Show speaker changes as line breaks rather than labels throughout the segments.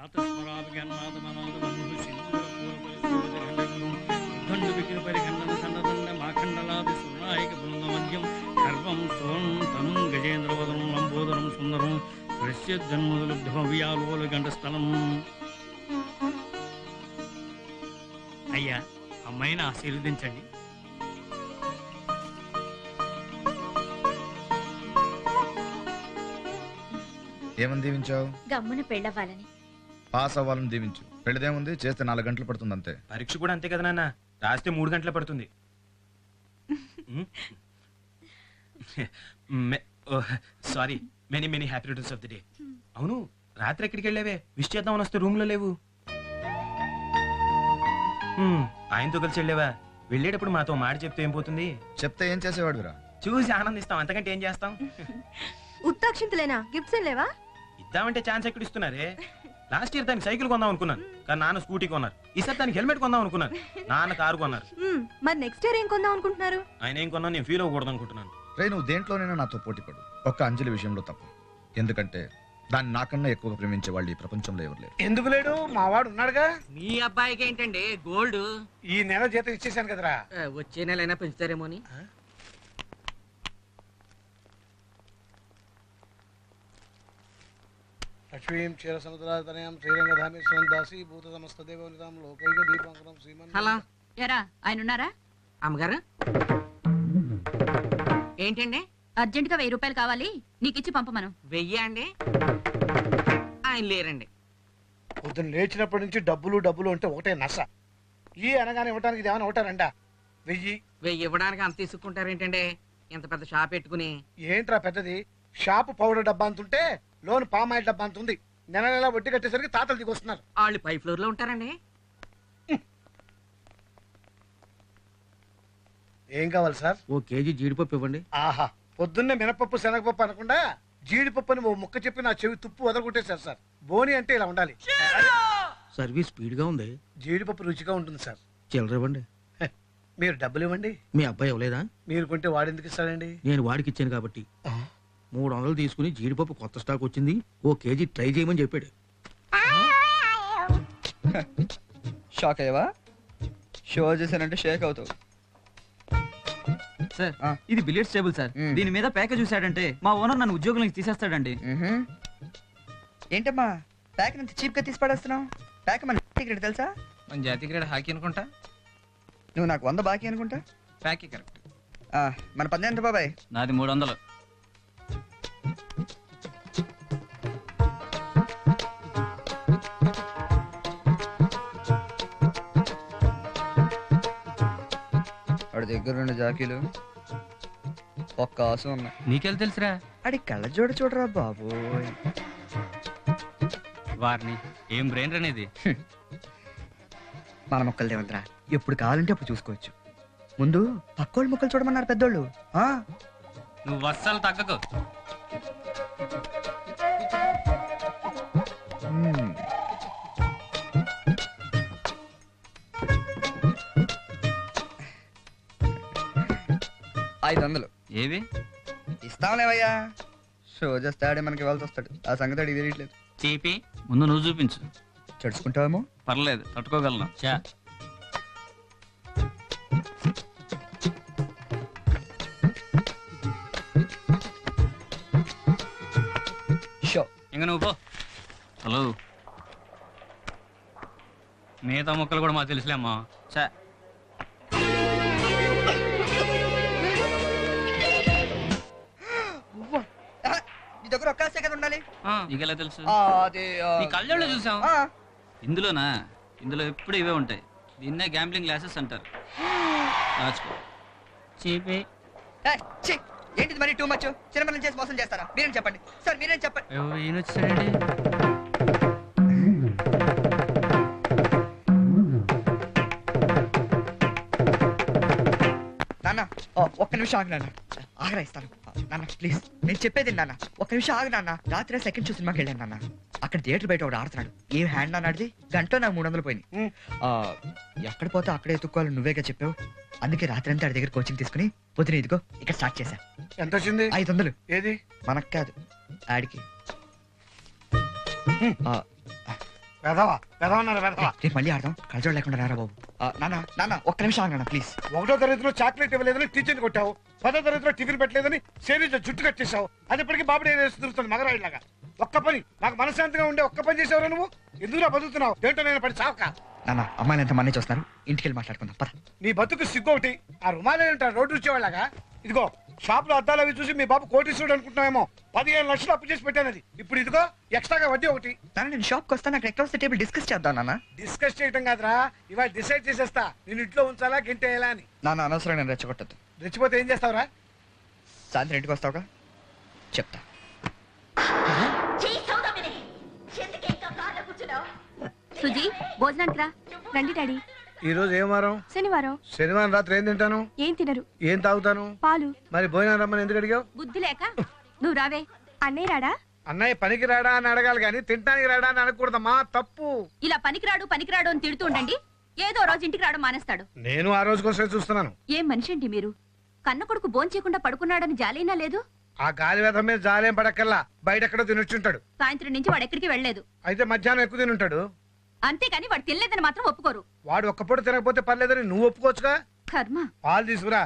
అయ్యా, అమ్మాయిని ఆశీర్వదించండి.
ఏమని దీవించావు?
గమ్మున పెళ్ళవ్వాలని.
పాస్ అవ్వాలని దీవించు. పెళ్ళదేముంది, చేస్తే 4 గంటలు పడుతుంది అంతే.
పరీక్ష కూడా అంతే కదా నాన్న, రాస్తే 3 గంటలు పడుతుంది. Sorry, many many happy returns of the day. అవును, రాత్రి ఎక్కడికి వెళ్ళావే? విష్ చేద్దామని వస్తే రూమ్ లో లేవు. ఆయనతో కలిసి వెళ్ళావా? వెళ్ళేటప్పుడు మాతో మాట చెప్తే ఏం పోతుంది?
చెప్తే ఏం చేసేవాడురా?
చూసి ఆనందిస్తాం, అంతకంటే ఏం చేస్తాం?
ఉత్తాక్షింతలేనా? గిఫ్ట్స్ ఏం లేవా?
ఇద్దామంటే ఛాన్స్ ఎక్కడ ఇస్తున్నారే? లాస్ట్ ఇయర్ దానికి సైకిల్ కొందాం అనుకున్నాను, కానీ నాన్న స్కూటీ కొన్నారు. ఈసారి దానికి హెల్మెట్ కొందాం అనుకున్నాను, నాన్న కారు కొన్నారు.
మరి నెక్స్ట్ ఇయర్ ఏం కొందాం అనుకుంటున్నారు?
ఆయన ఏం కొన్నా నేను ఫీల్ అవ్వకూడదు అనుకుంటున్నాను.
రే, నువ్వు దేంట్లోనైనా నాతో పోటీ పడు, ఒక్క అంజలి విషయంలో తప్పు. ఎందుకంటే దాన్ని నాకన్నా ఎక్కువగా ప్రేమించే వాళ్ళు ఈ ప్రపంచంలో ఎవరు లేరు.
ఎందుకు లేడు? మా వాడు ఉన్నాడుగా.
మీ అబ్బాయికి ఏంటండి గోల్డ్?
ఈ నెల జీతం ఇచ్చేసాను కదరా.
వచ్చే నెల అయినా పెంచుతారేమో అని.
లక్ష్మీం క్షీర సముద్రాతనయం శ్రీరంగధామేశ్వరం దాసి భూత సమస్త దేవనితాం లోకైక దీపాంకరం శ్రీమన్.
హలో, ఎరా ఆయన ఉన్నారా?
అమ్మగారు ఏంటండి?
అర్జెంట్ గా 1000 రూపాయలు కావాలి, నీకు ఇచ్చి పంపమను.
1000 అండి? ఆయన లేరండి.
పొద్దున్న లేచినప్పటి నుంచి డబ్బులు డబ్బులు అంటే ఒకటే నస. ఈ అనగానే ఇవ్వడానికి ఇది ఏమైనా ఒకటారంట? 1000
ఇవ్వడానికి అంత తీసుకుంటారేంటండి? ఇంత పెద్ద షాప్ పెట్టుకుని.
ఏంట్రా పెద్దది? షాపు పౌడర్ డబ్బా అంతుంటే లోన్ పామాయిల్ డబ్బా అంతుంది. నెల నెల వడ్డీ కట్టేసరికి తాతలు దిగొస్తున్నారు.
వాళ్ళు పై ఫ్లోర్ లో ఉంటారండి.
ఏం కావాలి సార్?
1 కేజీ జీడిపప్పు ఇవ్వండి.
ఆహా, పొద్దున్నే మినపప్పు శనగపప్పు అనకుండా జీడిపప్పు అని ఓ ముక్క చెప్పి నా చెవి తుప్పు వదలగొట్టేశారు సార్. బోని అంటే ఇలా ఉండాలి.
సర్వీస్ స్పీడ్ గా ఉంది.
జీడిపప్పు రుచిగా ఉంటుంది సార్.
చిల్లర ఇవ్వండి.
మీరు డబ్బులు ఇవ్వండి.
మీ అబ్బాయి ఇవ్వలేదా?
మీరు కొంటే వాడెందుకు ఇస్తాడండి?
నేను వాడికి ఇచ్చాను కాబట్టి. 300 తీసుకుని జీడిపప్పు కొత్త స్టాక్ వచ్చింది, 1 కేజీ ట్రై చేయమని చెప్పాడు.
షాక్ అయ్యవా? షో చేశానంటే షేక్ అవుతావు.
సార్, ఇది బిలియర్డ్స్ టేబుల్ సార్. దీని మీద ప్యాకేజ్ చూసాడంటే మా ఓనర్ నన్ను ఉద్యోగం నుంచి తీసేస్తాడండి.
ఏంటమ్మా ప్యాక్ అంత చీప్ గా తీసి పడేస్తున్నావు? ప్యాక్ మన క్రికెట్ తెలుసా?
మన జాతీయ క్రీడ హాకీ అనుకుంటా.
నువ్వు నాకు 100 బాకీ అనుకుంటా.
ప్యాకే కరెక్ట్.
మన 10 ఎంత బాబాయ్?
నాది 300.
వాడి దగ్గర 2 జాకీలు, 1 ఆసు ఉన్నాయి.
నీకెళ్ళి తెలుసురా?
అడి కళ్ళ చూడరా బాబోయ్.
వారిని ఏం బ్రెయిన్ అనేది.
మన మొక్కలు దేవంతరా, ఎప్పుడు కావాలంటే అప్పుడు చూసుకోవచ్చు. ముందు పక్కోళ్ళ మొక్కలు చూడమన్నారు పెద్దోళ్ళు.
నువ్వు అస్సలు తగ్గకు.
$500
ఏవి
ఇస్తాంలేవయ్యా. షో చేస్తాడే మనకి ఇవ్వాల్సి వస్తాడు. ఆ సంగతి అడిగి తెలియట్లేదు.
చీపి ముందు నువ్వు చూపించు.
చడుచుకుంటావేమో.
పర్లేదు, తట్టుకోగలను. చా
షో
ఇంక నువ్వు పో. హలో, మిగతా మొక్కలు కూడా మాకు తెలుసులే అమ్మా. చా
నీ దగ్గర ఒక్క సెకండ్ ఉండాలి.
నీకెలా తెలుసు?
అదే
నీ కళ్ళల్లో చూసాం. ఇందులోనా? ఇందులో ఎప్పుడు ఇవే ఉంటాయి. దీన్నే గ్యాంబ్లింగ్ గ్లాసెస్ అంటారు. రాచుకో. చీపి
ఏంటిది మరి టూ మచ్? చిన్నపిల్లలు చేసి మోసం చేస్తారా? మీరేం చెప్పండి సార్, మీరేం చెప్పండి.
ఈయన వచ్చాడండి.
నాన్న ఒక్క నిమిషం ఆగు నాన్న. ఆగరా ఇస్తాను నాన్న, ప్లీజ్. నేను చెప్పేది నాన్న, ఒక్క నిమిషం ఆగు నాన్న. రాత్రి సెకండ్ షో సినిమాకి వెళ్ళాను నాన్న. అక్కడ థియేటర్ బయట ఒకటి ఆడుతున్నాడు. ఏం హ్యాండ్ నాన్న ఆడిది? గంటలో నాకు 300 పోయినాయి. ఎక్కడ పోతే అక్కడే ఎత్తుక్కోవాలి నువ్వేగా చెప్పావు. అందుకే రాత్రి అంతా ఆడి దగ్గర కోచింగ్ తీసుకుని పొద్దున ఇదిగో ఇక్కడ స్టార్ట్ చేశా.
ఎంత వచ్చింది?
500.
ఏది?
మనకు కాదు, ఆడికి.
వెధవా వెధవన్నారు వెధవా.
రేపు మళ్ళీ ఆడదాం కలజోడు లేకుండా రారా బాబు. నాన్న నాన్న ఒక్క నిమిషం ఆగనా ప్లీజ్.
1వ తరగతిలో చాక్లెట్ ఇవ్వలేదని టీచర్ని కొట్టావు. 10వ తరగతిలో టిఫిన్ పెట్టలేదని సేవించ జుట్టు కట్టేశావు. అది ఇప్పటికీ బాబుడు ఏదో తిరుగుతుంది మగరాయిలాగా. ఒక్క పని నాకు మనశ్శాంతిగా ఉండే ఒక్క పని చేసేవారు నువ్వు. ఎందుకు బతుకుతున్నావు? ఏంటో నేను పడి చావక.
నాన్న అమ్మాయిలు ఎంత మంది చూస్తున్నారు, ఇంటికి వెళ్ళి మాట్లాడుకుందాం పద.
నీ బతుకు సిగ్గు ఒకటి. ఆ రుమాలే ఉంటారు రోడ్డు వచ్చేవాళ్ళగా. ఇదిగో షాప్ లో అద్దాలు అవి చూసి మీ బాబు కోటీశ్వరుడు అనుకుంటున్నామేమో. 15 లక్షలు అప్పు చేసి పెట్టాను. అది ఇప్పుడు ఇదిగో ఎక్స్ట్రాగా వడ్డీ ఒకటి.
నాన్న నేను షాప్కి వస్తాను, అక్కడ ఎక్కడ వస్తే టేబుల్ డిస్కస్ చేద్దాం నాన్న.
డిస్కస్ చేయటం కాదురా, ఇవాళ డిసైడ్ చేసేస్తా నేను ఇంట్లో ఉంచాలా గెంటేయాలా అని.
నాన్న అనవసరం నేను రెచ్చగొట్టద్దు.
రెచ్చిపోతే ఏం చేస్తావురా?
సాయంత్రం ఇంటికి వస్తావుగా చెప్తా.
సుజీ భోజనానికి రా.
రండి డాడీ.
ఈ రోజు ఏం వారం?
శనివారం.
శనివారం రాత్రి ఏం తింటాను?
ఏం తినరు.
ఏం తాగుతాను?
పాలు.
మరి భోజనం రమ్మని ఎందుకు అడిగావు?
బుద్ధి లేక నువ్వు రావే.
అన్నయ్య రాడా?
అన్నయ్య పనికి రాడా అని అడగాలి కానీ తింటానికి రాడా అని అనకూడదమ్మా, తప్పు.
ఇలా పనికిరాడు అని తిడుతూ ఉండండి, ఏదో రోజు ఇంటికి రావడం మానేస్తాడు.
నేను ఆ రోజు కోసమే చూస్తున్నాను.
ఏం మనిషి అండి మీరు? కన్న కొడుకు భోంచేయకుండా పడుకున్నాడని జాలైనా లేదు.
ఆ గాలి వేధం మీద జాలేం పడక్కల్లా బయట ఎక్కడో తినొచ్చుంటాడు.
సాయంత్రం నుంచి వాడు ఎక్కడికి వెళ్ళలేదు.
అయితే మధ్యాహ్నం ఎక్కువ తినుంటాడు.
అంతేకాని వాడు తినలేదని మాత్రం ఒప్పుకోరు.
వాడు ఒక్క పూట తినకపోతే పర్లేదని నువ్వు ఒప్పుకోవచ్చుగా.
కర్మ.
పాలు తీసుకురా.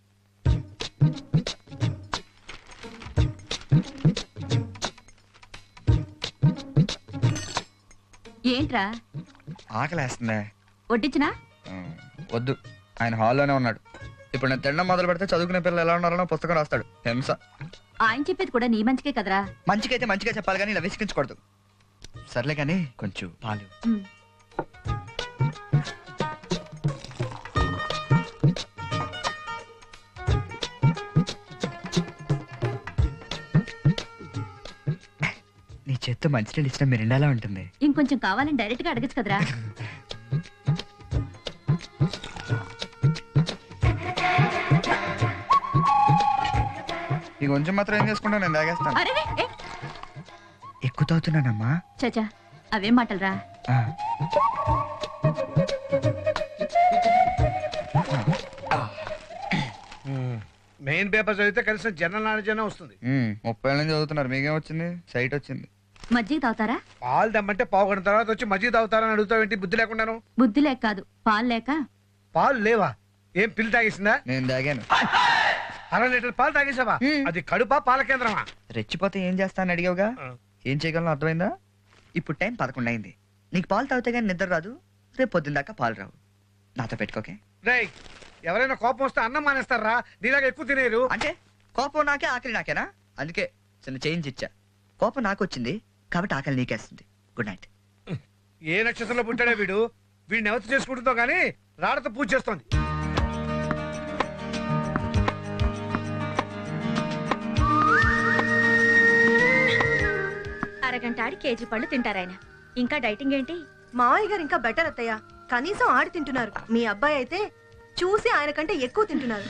ఏంట్రా
ఆకలేస్తుందే.
వడ్డించినా?
వద్దు, ఆయన హాల్లోనే ఉన్నాడు. ఇప్పుడు నేను తినడం మొదలు పెడితే చదువుకునే పిల్లలు ఎలా ఉన్నారో పుస్తకం రాస్తాడు. హింస.
ఆయన చెప్పేది కూడా నీ మంచికే కదరా.
మంచికైతే మంచిగా చెప్పాలి కానీ ఇలా విసిగించకూడదు. సర్లే కానీ కొంచెం పాలు.
ఉమ్.
నీ చేత్తో మంచినీళ్ళు ఇచ్చిన మిరిండాలా ఉంటుంది.
ఇంకొంచెం కావాలని డైరెక్ట్ గా అడగచ్చు కదరా.
ఈ కొంచెం మాత్రం ఏం చేసుకుంటా, నేను తాగేస్తాను.
అరే
ఎక్కువ తాగుతున్నానమ్మా.
చచా అవేం మాటలరా.
మెయిన్ పేపర్ చదివితే కనీసం జనరల్ నాలెడ్జ్ అనే వస్తుంది.
30 ఏళ్ళ నుంచి చదువుతున్నారు, మీకేం వచ్చింది? సైట్ వచ్చింది.
మజ్జిగ తాగుతారా?
పాలు దమ్మంటే పావు గంట తర్వాత వచ్చి మజ్జిగ తాగుతారని అడుగుతావేంటి బుద్ధి లేకుండాను?
బుద్ధి లేక కాదు, పాలు లేక.
పాలు లేవా? ఏం పిల్లి తాగేసిందా?
నేను తాగాను.
1/2 లీటర్ పాలు తాగేసావా? అది కడుపా పాల కేంద్రమా?
రెచ్చిపోతే ఏం చేస్తానని అడిగావుగా, ఏం చేయగలను అర్థమైందా? ఇప్పుడు టైం 11 అయింది. నీకు పాలు తాగితే కానీ నిద్ర రాదు, రేపు పొద్దున్న దాకా పాలు రావు. నాతో పెట్టుకోకే.
రేయ్, ఎవరైనా కోపం వస్తే అన్నం మానేస్తారా? నీలాగా ఎక్కువ తినేరు.
అంటే కోపం నాకే ఆకలి నాకేనా? అందుకే చిన్న చేంజ్ ఇచ్చా. కోపం నాకు వచ్చింది కాబట్టి ఆకలి నీకేస్తుంది. Good night.
ఏ నక్షత్రంలో పుట్టాడే వీడు? వీడిని ఎవరు చేసుకుంటుందో గానీ రాడతో పూజ చేస్తోంది.
అరగంట ఆడి కేజీ పళ్ళు తింటారాయన. ఇంకా డైటింగ్ ఏంటి? మావయ్య గారు ఇంకా బెటర్ అత్తయ్య. కనీసం ఆడి తింటున్నారు. మీ అబ్బాయి అయితే చూసి ఆయన కంటే ఎక్కువ తింటున్నారు.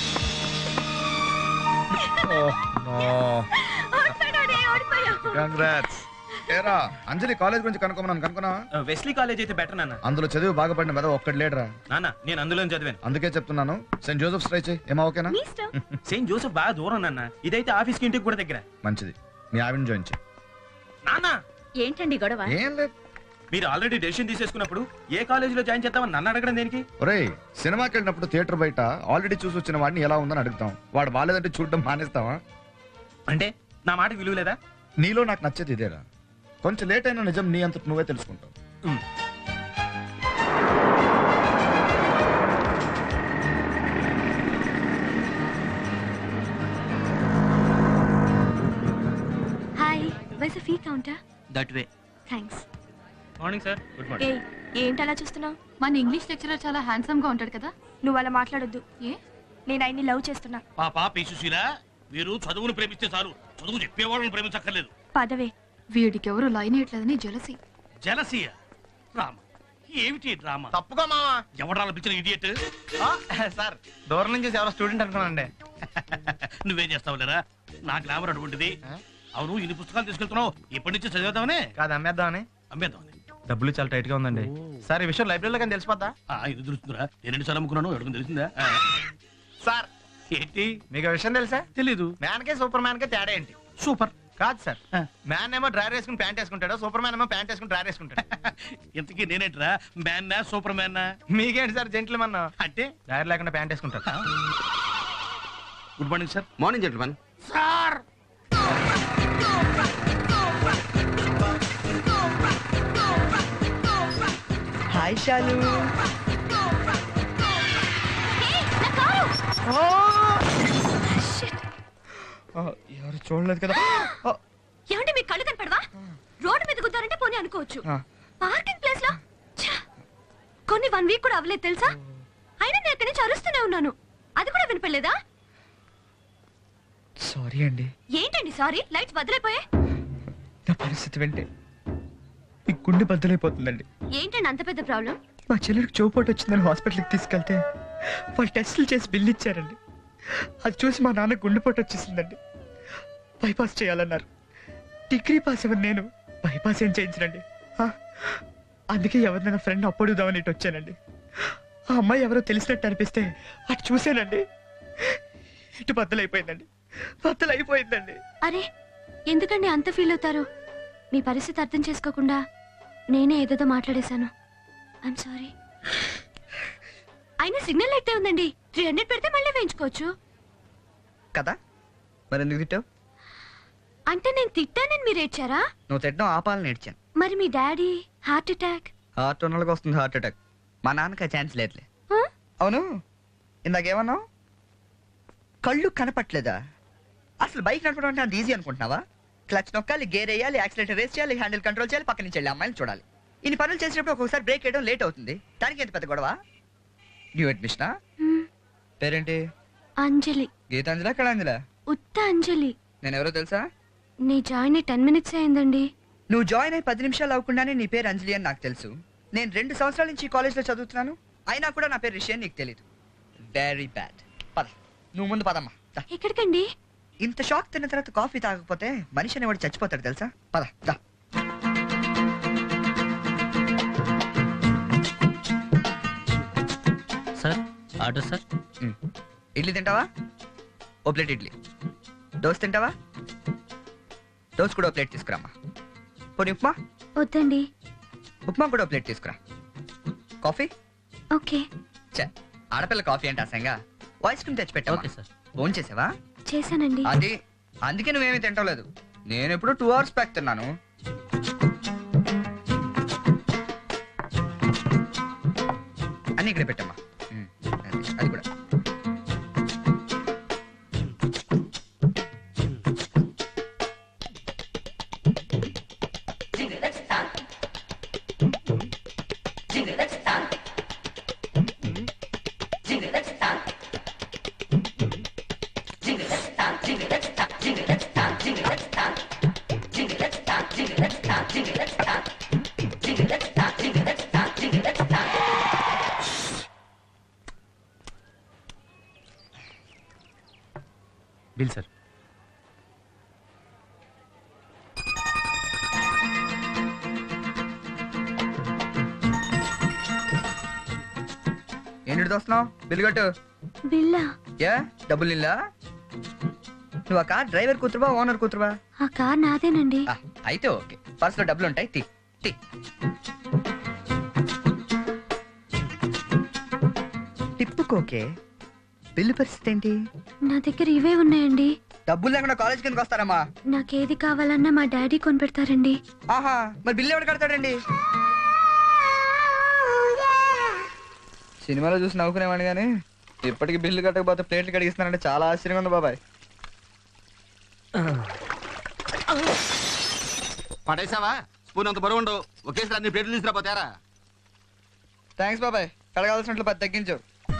కంగ్రాట్స్. ఏరా అంజలి కాలేజ్ గురించి కనుక్కున్నా?
వెస్లీ కాలేజ్ అయితే బెటర్ నాన్న.
అందులో చదివి బాగుపడిన మీద ఒక్కటి లేడరా.
నాన్న నేను అందులో చదివాను.
అందుకే చెప్తున్నాను, సెయింట్ జోసెఫ్స్ ట్రై చేయి. ఏమా ఓకేనా?
సెయింట్ జోసెఫ్ బాగా దూరం నాన్న, ఇదైతే ఆఫీస్ కి ఇంటికి కూడా దగ్గర.
మంచిది, మీ ఆవిడని జాయిన్ చేయి.
నాన్న
ఏంటండి గొడవ?
ఏం లేదు.
మీరు ఆల్రెడీ డెసిషన్ తీసేసుకున్నప్పుడు ఏ కాలేజీలో జాయిన్ చేద్దామని నన్ను అడగడం దేనికి?
ఒరేయ్, సినిమాకి వెళ్ళినప్పుడు థియేటర్ బయట ఆల్రెడీ చూసి వచ్చిన వాడిని ఎలా ఉందని అడుగుతాం. వాడు బాలేదంటే చూడడం మానేస్తావా?
అంటే నా మాట విలువ లేదా?
నీలో నాకు నచ్చేది ఇదేరా, కొంచెం లేట్ అయినా నిజం నీ అంతటి నువ్వే తెలుసుకుంటావు.
Hi, where's fee counter?
That way.
Thanks.
Morning sir. Good
ఏ ఏంటి అలా చూస్తున్నావు?
మన ఇంగ్లీష్ లెక్చరర్ చాలా హ్యాండ్సమ్ గా ఉంటాడు కదా.
నువ్వు అలా మాట్లాడొద్దు.
ఏ?
నేను ఆయన్ని లవ్ చేస్తున్నా.
పాపా పీసుశీల, మీరు చదువును ప్రేమిస్తే చాలు, చదువు చెప్పేవాళ్ళని ప్రేమించక్కర్లేదు.
పదవే.
వీడికి ఎవరు లైన్ ఇట్లేదని జలసి.
జలసియ డ్రామా ఏమిటి డ్రామా?
తప్పుగా మావా.
ఎవడాల పిచ్చిన ఇడియట్?
సార్ దూరం నుంచి ఎవరో స్టూడెంట్ అనుకున్నానండి.
నువ్వేం చేస్తావు లేరా? నా గ్లామర్ అటువంటిది. అవును, ఇన్ని పుస్తకాలు తీసుకెళ్తున్నావు, ఇప్పటి నుంచి చదివేద్దామని
కాదు అమ్మేద్దామని.
అమ్మేద్దామని.
డబ్బులు చాలా టైట్ గా ఉందండి సార్. ఈ విషయం లైబ్రరీలో కానీ తెలిసిపోద్దా?
ఇది తెలుస్తుందిరా. నేను ఎన్నిసార్లు అమ్ముకున్నాను, ఎవరికి తెలిసిందా?
సార్
ఏంటి
మీకు విషయం తెలుసా?
తెలీదు.
మ్యాన్ కే సూపర్ మ్యాన్ కే తేడా ఏంటి?
సూపర్.
కాదు సార్, మ్యాన్ ఏమో డ్రైవర్ వేసుకుని ప్యాంట్ వేసుకుంటాడు, సూపర్ మ్యాన్ ఏమో ప్యాంట్ వేసుకుని డ్రైవర్ వేసుకుంటాడు.
ఇంతకీ నేనేట్రా, మ్యాన్నా సూపర్ మ్యాన్నా?
మీకేంటి సార్ జెంట్లు అన్న అంటే డ్రైవర్ లేకుండా ప్యాంట్ వేసుకుంటారు.
Good morning sir.
Morning gentlemen.
Sir
hi Shalu. ఎవరు చూడలేదు కదా.
ఏమంటే మీకు కళ్ళు కనపడవా? రోడ్డు మీద గుద్దారంటే పోనీ అనుకోవచ్చు, పార్కింగ్ ప్లేస్ లో ఛ! కొన్ని 1 వీక్ కూడా అవ్వలేదు తెలుసా? అయినా నేను అక్కడి నుంచి అరుస్తూనే ఉన్నాను, అది కూడా వినపడలేదా?
సారీ అండి.
ఏంటండి సారీ? లైట్స్ బదులైపోయాయి.
నా పరిస్థితి వింటే మీ గుండె బద్దలైపోతుందండి.
ఏంటండి అంత పెద్ద ప్రాబ్లం?
మా చెల్లెలకు చోపోటు వచ్చిందని హాస్పిటల్కి తీసుకెళ్తే వాళ్ళు టెస్టులు చేసి బిల్లు ఇచ్చారండి. అది చూసి మా నాన్న గుండెపోటు వచ్చేసిందండి. బైపాస్ చేయాలన్నారు. డిగ్రీ పాస్ ఎవరు, నేను బైపాస్ ఏం చేయించనండి. అందుకే ఎవరినైనా ఫ్రెండ్ అప్పుడుదామని ఇటు వచ్చానండి. ఆ అమ్మాయి ఎవరో తెలిసినట్టు అనిపిస్తే అటు చూసానండి, ఇటు బద్దలైపోయిందండి. బద్దలైపోయిందండి.
అరే ఎందుకండి అంత ఫీల్ అవుతారు? మీ పరిస్థితి అర్థం చేసుకోకుండా నేనే ఏదేదో మాట్లాడేశాను. I'm sorry. అయినా సిగ్నల్ అయితే ఉందండి, 300 పెడితే మళ్ళీ వేయించుకోవచ్చు
కదా. మరి ఎందుకు తిట్టావు?
అంటే నేను తిట్టానని మీరు ఏడ్చారా?
నువ్వు తిట్టడం ఆపాలని ఏడ్చాను.
మరి మీ డాడీ హార్ట్ అటాక్?
హార్ట్ ఉన్నోళ్ళకి వస్తుంది హార్ట్ అటాక్. మా నాన్నకి ఆ ఛాన్స్ లేదులే. అవును, ఇందాకేమన్నావు? కళ్ళు కనపట్లేదా? అసలు బైక్ నడపడం అంటే అంత ఈజీ అనుకుంటున్నావా? క్లచ్ నొక్కాలి, గేర్ వేయాలి, యాక్సిలేటర్ రేస్ చేయాలి, హ్యాండిల్ కంట్రోల్ చేయాలి, పక్క నుంచి వెళ్ళి అమ్మాయిని చూడాలి. ఇన్ని పనులు చేసినప్పుడు ఒక్కొక్కసారి బ్రేక్ వేయడం లేట్ అవుతుంది. దానికి ఎంత పెద్ద గొడవ? న్యూ అడ్మిషనా? పేరేంటి?
అంజలి.
గీతాంజలి, కళాంజలి?
ఉత్త అంజలి.
నేను ఎవరో తెలుసా?
నీ జాయిన్ 10 మినిట్స్ అయిందండి.
నువ్వు జాయిన్ అయ్యి 10 నిమిషాలు అవ్వకుండానే నీ పేరు అంజలి అని నాకు తెలుసు. నేను 2 సంవత్సరాల నుంచి ఈ కాలేజ్లో చదువుతున్నాను, అయినా కూడా నా పేరు రిషి అని నీకు తెలీదు. Very bad. పద, నువ్వు ముందు పదమ్మా.
ఎక్కడికండి?
ఇంత షాక్ తిన్న తర్వాత కాఫీ తాగకపోతే మనిషి అనేవాడు చచ్చిపోతాడు తెలుసా. పద దా.
Sir order sir.
ఇడ్లీ తింటావా? ఓ ప్లేట్ ఇడ్లీ. దోశ తింటావా? దోశ కూడా ఓ ప్లేట్ తీసుకురామ్మా. పోనీ ఉప్మా?
వద్దండి.
ఉప్మా కూడా ఓ ప్లేట్ తీసుకురా. కాఫీ?
ఓకే.
చే, ఆడపిల్ల కాఫీ అంటే అసంగా. ఐస్ క్రీమ్ తెచ్చి పెట్టా.
Okay sir.
ఫోన్ చేసావా?
చేశానండి.
అది అందుకే నువ్వేమీ తింటలేదు. నేను ఎప్పుడు 2 hours బ్యాక్ తిన్నాను. అన్ని ఇక్కడ పెట్టమ్మా. అది కూడా.
Bill sir.
ఏంటి దోస్తున్నావు? బిల్లు కట్టు.
బిల్లా?
ఏ డబ్బులు నిల్లా? నువ్వు ఆ కార్ డ్రైవర్ కూతురువా ఓనర్ కూతురువా?
ఆ కార్ నాదేనండి.
అయితే ఓకే, పర్సులో డబ్బులు ఉంటాయి. తీ తీ. టిప్పుకోకే. బిల్లు పరిస్థితి ఏంటి?
నా దగ్గర ఇవే ఉన్నాయండి.
డబ్బులు లేకుండా కాలేజ్ కిందకి వస్తారమ్మా?
నాకేది కావాలన్నా మా డాడీ కొనిపెడతారండి.
ఆహా, మరి బిల్లు ఎవరు కడతాడండి? సినిమాలో చూసి నవ్వుకునేవాడిని కానీ ఇప్పటికి బిల్లు కట్టకపోతే ప్లేట్లు కడిగిస్తున్నానంటే చాలా ఆశ్చర్యంగా ఉంది బాబాయ్.
పడేసావా? స్పూన్ అంత బరువు ఉండవు, ఒకేసారి అన్ని ప్లేట్లు తీసుకురాపోతారా?
థ్యాంక్స్ బాబాయ్, కడగాల్సినట్లు 10 తగ్గించావు.